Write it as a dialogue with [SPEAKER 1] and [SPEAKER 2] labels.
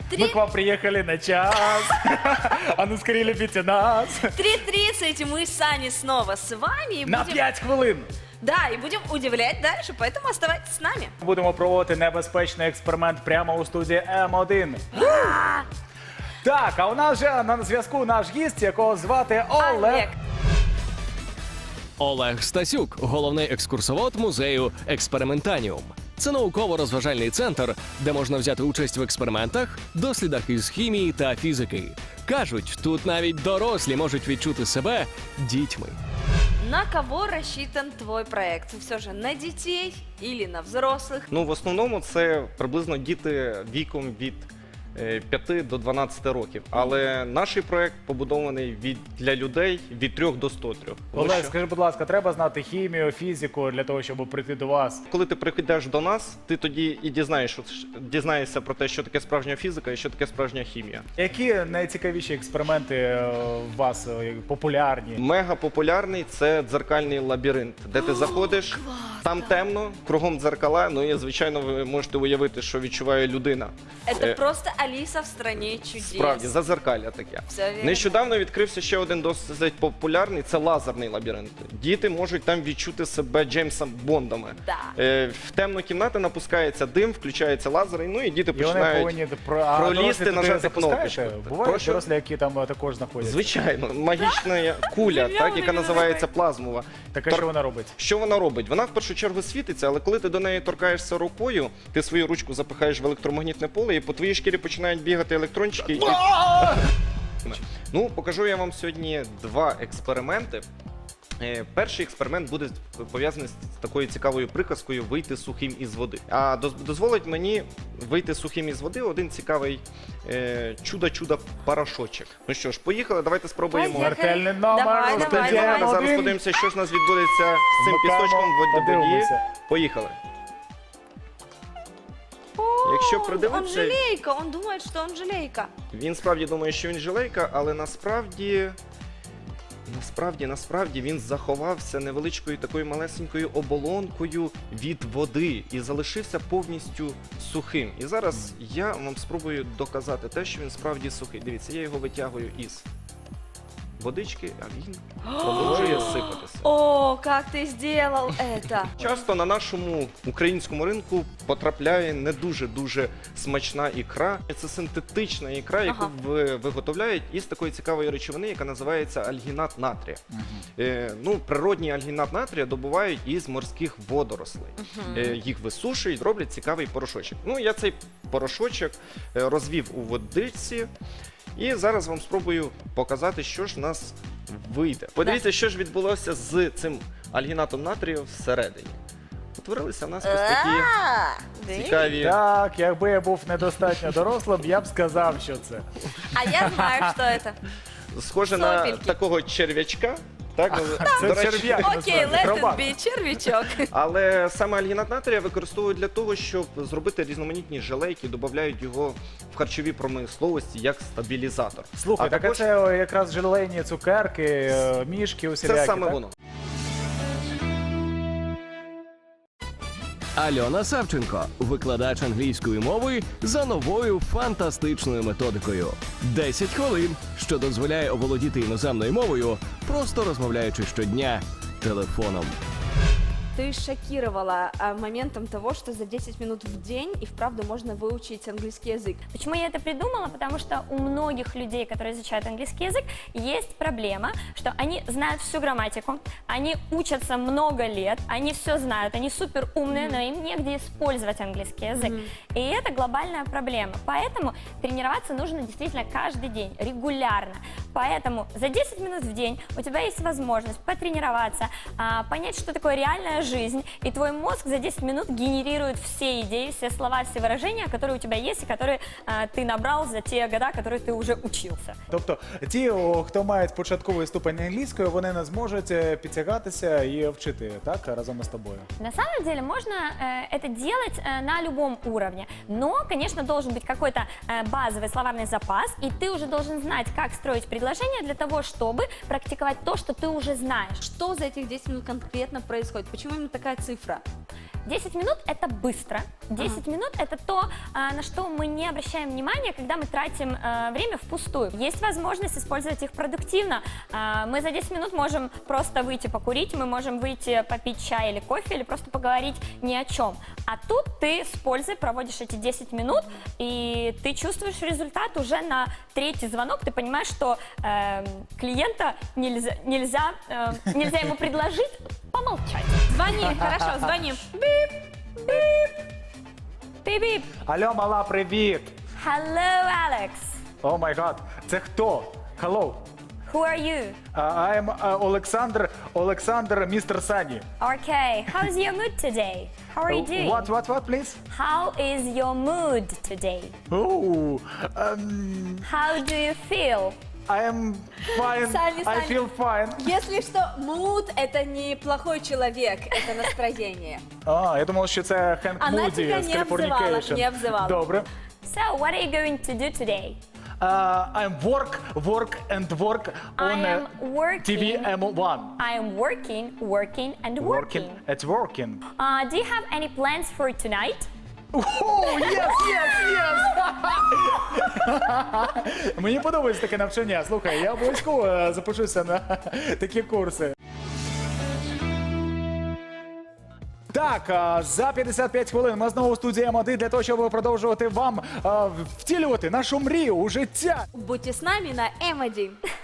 [SPEAKER 1] Мы к вам приехали на час. А ну скорее любите нас.
[SPEAKER 2] 3:30, и мы с Саней снова с вами. И
[SPEAKER 1] На
[SPEAKER 2] будем...
[SPEAKER 1] 5 хвилин.
[SPEAKER 2] Да, и будем удивлять дальше, поэтому оставайтесь с нами.
[SPEAKER 1] Будемо проводити небезпечний експеримент прямо у студії М1. Так, а у нас же на зв'язку наш гість, якого звати Олег.
[SPEAKER 2] Олег.
[SPEAKER 3] Олег Стасюк, головний екскурсовод музею Експериментаніум. Це науково-розважальний центр, де можна взяти участь в експериментах, дослідах із хімії та фізики. Кажуть, тут навіть дорослі можуть відчути себе дітьми.
[SPEAKER 2] На кого рассчитан твой проект? Все же на детей или на взрослых?
[SPEAKER 4] Ну, в основному це приблизно діти віком від 5 до 12 років. Але наш проект побудований для людей від 3 до 103.
[SPEAKER 1] Олег, скажи, будь ласка, треба знати хімію, фізику для того, щоб прийти до вас?
[SPEAKER 4] Коли ти приходиш до нас, ти тоді і дізнаєшся про те, що таке справжня фізика і що таке справжня хімія.
[SPEAKER 1] Які найцікавіші експерименти у вас популярні?
[SPEAKER 4] Мега популярний це дзеркальний лабіринт, де ти заходиш, там темно, кругом дзеркала, ну і звичайно ви можете уявити, що відчуває людина.
[SPEAKER 2] Это просто Алиса в стране чудес.
[SPEAKER 4] Справді, зазеркалля таке.
[SPEAKER 2] Все вірно.
[SPEAKER 4] Нещодавно відкрився ще один досить популярний, це лазерний лабіринт. Діти можуть там відчути себе Джеймсом Бондами.
[SPEAKER 2] Да.
[SPEAKER 4] В темну кімнату напускається дим, включається лазер, ну і діти
[SPEAKER 1] І вони
[SPEAKER 4] починають
[SPEAKER 1] повинні
[SPEAKER 4] пролізти, нажати кнопочку.
[SPEAKER 1] Бувають
[SPEAKER 4] Прошу?
[SPEAKER 1] дорослі, які там також знаходяться.
[SPEAKER 4] Звичайно, магічна куля, так, яка називається плазмова.
[SPEAKER 1] Так, а що вона робить?
[SPEAKER 4] Що вона робить? Вона в першу чергу світиться, але коли ти до неї торкаєшся рукою, ти свою ручку запихаєш в електромагнітне поле, і по твоїй шкірі починають бігати електрончики. І... Ну, покажу я вам сьогодні два експерименти. Перший експеримент буде пов'язаний з такою цікавою приказкою «вийти сухим із води». А дозволить мені вийти сухим із води один цікавий чудо-чудо порошочок. Ну що ж, поїхали, давайте спробуємо.
[SPEAKER 2] Поїхали.
[SPEAKER 1] Смертельний номер.
[SPEAKER 2] Давай, давай, давай.
[SPEAKER 4] Зараз подивимося, що ж у нас відбудеться з цим пісочком в воді.
[SPEAKER 1] Подивимося.
[SPEAKER 4] Поїхали. Якщо
[SPEAKER 2] Он
[SPEAKER 4] придивитися,
[SPEAKER 2] жалейка, он думает, что он жалейка.
[SPEAKER 4] він справді думає, що він жилейка, але насправді він заховався невеличкою такою малесенькою оболонкою від води і залишився повністю сухим. І зараз я вам спробую доказати те, що він справді сухий. Дивіться, я його витягую із водички, а він продовжує сипатися.
[SPEAKER 2] О, как ты сделал это?
[SPEAKER 4] Часто на нашому українському ринку потрапляє не дуже смачна ікра. Це синтетична ікра, яку виготовляють із такої цікавої речовини, яка називається альгінат натрія. Природній альгінат натрія добувають із морських водорослей. Їх висушують, роблять цікавий порошочок. Ну, я цей порошочок розвів у водичці. І зараз вам спробую показати, що ж в нас вийде. Подивіться, що ж відбулося з цим альгінатом натрію всередині. Утворилися в нас ось такі цікаві...
[SPEAKER 1] Так, якби я був недостатньо дорослим, я б сказав, що це.
[SPEAKER 2] А я знаю, что это.
[SPEAKER 4] Схоже на
[SPEAKER 2] Сопельки.
[SPEAKER 4] такого черв'ячка. Так,
[SPEAKER 1] Це
[SPEAKER 4] до речі,
[SPEAKER 1] черв'як,
[SPEAKER 2] Окей,
[SPEAKER 1] насправді,
[SPEAKER 2] let it
[SPEAKER 1] хробак.
[SPEAKER 2] be, червячок.
[SPEAKER 4] але саме альгінат натрія використовують для того, щоб зробити різноманітні желейки, додають його в харчовій промисловості як стабілізатор.
[SPEAKER 1] Слухай, так
[SPEAKER 4] також
[SPEAKER 1] це якраз желейні цукерки, мішки усілякі,
[SPEAKER 4] це саме
[SPEAKER 1] так?
[SPEAKER 4] воно.
[SPEAKER 3] Альона Савченко, викладач англійської мови за новою фантастичною методикою. 10 хвилин, що дозволяє оволодіти іноземною мовою, просто розмовляючи щодня телефоном.
[SPEAKER 2] Ты шокировала моментом того, что за 10 минут в день и вправду можно выучить английский язык.
[SPEAKER 5] Почему я это придумала? Потому что у многих людей, которые изучают английский язык, есть проблема, что они знают всю грамматику, они учатся много лет, они все знают, они супер умные, но им негде использовать английский язык. И это глобальная проблема. Поэтому тренироваться нужно действительно каждый день, регулярно. Поэтому за 10 минут в день у тебя есть возможность потренироваться, понять, что такое реальная жизнь, и твой мозг за 10 минут генерирует все идеи, все слова, все выражения, которые у тебя есть и которые ты набрал за те года, которые ты уже учился.
[SPEAKER 1] Тобто ті, хто мають початковий ступень англійської, вони не зможуть підтягатися і вчити, так, разом із тобою?
[SPEAKER 5] На самом деле можно это делать на любом уровне, но, конечно, должен быть какой-то базовый словарный запас, и ты уже должен знать, как строить предложения для того, чтобы практиковать то, что ты уже знаешь.
[SPEAKER 2] Что за этих 10 минут конкретно происходит? Почему именно такая цифра?
[SPEAKER 5] 10 минут – это быстро. 10 минут – это то, на что мы не обращаем внимания, когда мы тратим время впустую. Есть возможность использовать их продуктивно. Мы за 10 минут можем просто выйти покурить, мы можем выйти попить чай или кофе, или просто поговорить ни о чем. А тут ты с пользой проводишь эти 10 минут, и ты чувствуешь результат уже на третий звонок. Ты понимаешь, что клиента нельзя ему предложить помолчать.
[SPEAKER 2] Звони, хорошо, звони.
[SPEAKER 5] Бип-бип.
[SPEAKER 1] Алло, мала, привіт.
[SPEAKER 5] Hello, Alex.
[SPEAKER 1] О май гад, це хто? Hello.
[SPEAKER 5] Who are you?
[SPEAKER 1] I'm Олександр, містер Сані.
[SPEAKER 5] Okay, how's your mood today? How are you doing?
[SPEAKER 1] What, please?
[SPEAKER 5] How is your mood today?
[SPEAKER 1] Oh,
[SPEAKER 5] How do you feel?
[SPEAKER 1] I am fine.
[SPEAKER 2] Саня,
[SPEAKER 1] I
[SPEAKER 2] Саня.
[SPEAKER 1] feel fine.
[SPEAKER 2] Если что, mood – это не плохой человек, это настроение.
[SPEAKER 1] Я думав, що це Хенк
[SPEAKER 2] Вона
[SPEAKER 1] Муді
[SPEAKER 2] тебе
[SPEAKER 1] з
[SPEAKER 2] не обзивала,
[SPEAKER 1] Californication.
[SPEAKER 2] не обзивала.
[SPEAKER 1] Добре.
[SPEAKER 5] So, what are you going to do today?
[SPEAKER 1] I'm work and work
[SPEAKER 5] I
[SPEAKER 1] on
[SPEAKER 5] am working.
[SPEAKER 1] TV M1.
[SPEAKER 5] I am working and working.
[SPEAKER 1] It's working.
[SPEAKER 5] Do you have any plans for tonight?
[SPEAKER 1] Oh, yes. Мені подобається таке навчання. Слухай, я обов'язково запишуся на такі курси. Так, за 55 хвилин ми знову в студії М1 для того, щоб продовжувати вам втілювати нашу мрію у життя.
[SPEAKER 2] Будьте с нами на М1.